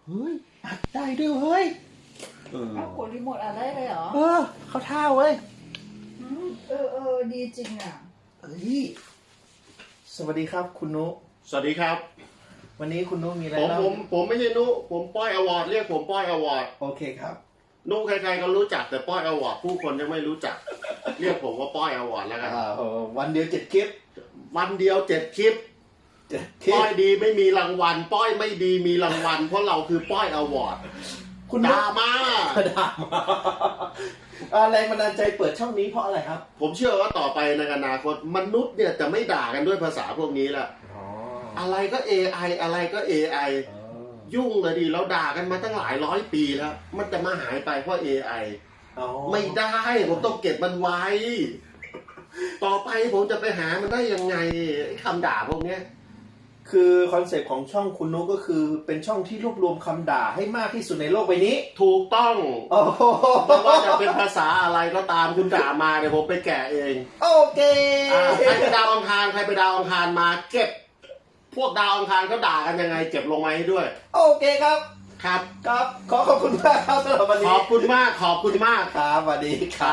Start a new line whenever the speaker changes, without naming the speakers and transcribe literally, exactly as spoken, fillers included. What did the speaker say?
เฮ้ยอัดได้ด้วยเฮ้ยเออ
เอากดรีโมทอัดได้เลยเหรอ
เออเขาท่าเว้ย
อืมเออเออดีจริงอ่ะ
เฮ้ยสวัสดีครับคุณนุ
สวัสดีครับ
วันนี้คุณนุมีอะไร
ผม
เล่า
ผมผมไม่ใช่นุผมป้อยอวอร์ดเรียกผมป้อยอวอร์ด
โอเคครับ
นุใครๆก็รู้จักแต่ป้อยอวอร์ดผู้คนยังไม่รู้จัก เรียกผมว่าป้อยอวอร์ดแล้วกัน
อ่าเออวันเดียวเจ็ดคลิป
วันเดียวเจ็ดคลิป
เจ็ดคลิ
ป้
ป
อยดีไม่มีรางวัล ป้อยไม่ดีมีรางวัล เพราะเราคือป้อยอวอร์ด
คุณนุ
ด่ามา
ด่ามาอ่าแรงบันดาลใจเปิดช่องนี้เพราะอะไรครับ
ผมเชื่อว่าต่อไปในอนาคตมนุษย์เนี่ยจะไม่ด่ากันด้วยภาษาพวกนี้ละ
อ๋อ
อะไรก็ เอ ไอ อะไรก็ เอ ไอ ยุ่งเลยดิเราด่ากันมาตั้งหลายร้อยปีแล้ว มันจะมาหายไปเพราะ เอ ไอ
อ๋อ
ไม่ได้ผมต้องเก็บมันไว้ ต่อไปผมจะไปหามันได้ยังไงไอ้คำด่าพวกเนี้ย
คือคอนเซปต์ของช่องคุณนุก็คือเป็นช่องที่รวบรวมคำด่าให้มากที่สุดในโลกใบนี้
ถูกต้อง
โอ้โห
ไม่ว่าจะเป็นภาษาอะไรก็ตามคุณด่ามาเดี๋ยวผมไปแกะเอง
โอเค
อ่าใครไปดาวอังคารใครไปดาวอังคารมาเก็บ พวกดาวอังคารเขาด่ากันยังไง เก็บลงมาให้ด้วย
โอเคครับ
ครับ
ครับขอขอบคุณมากครับสำหรับวัน
ข
นี้
อบคุณมากขอบคุณมาก
ครับสวัสดีครับ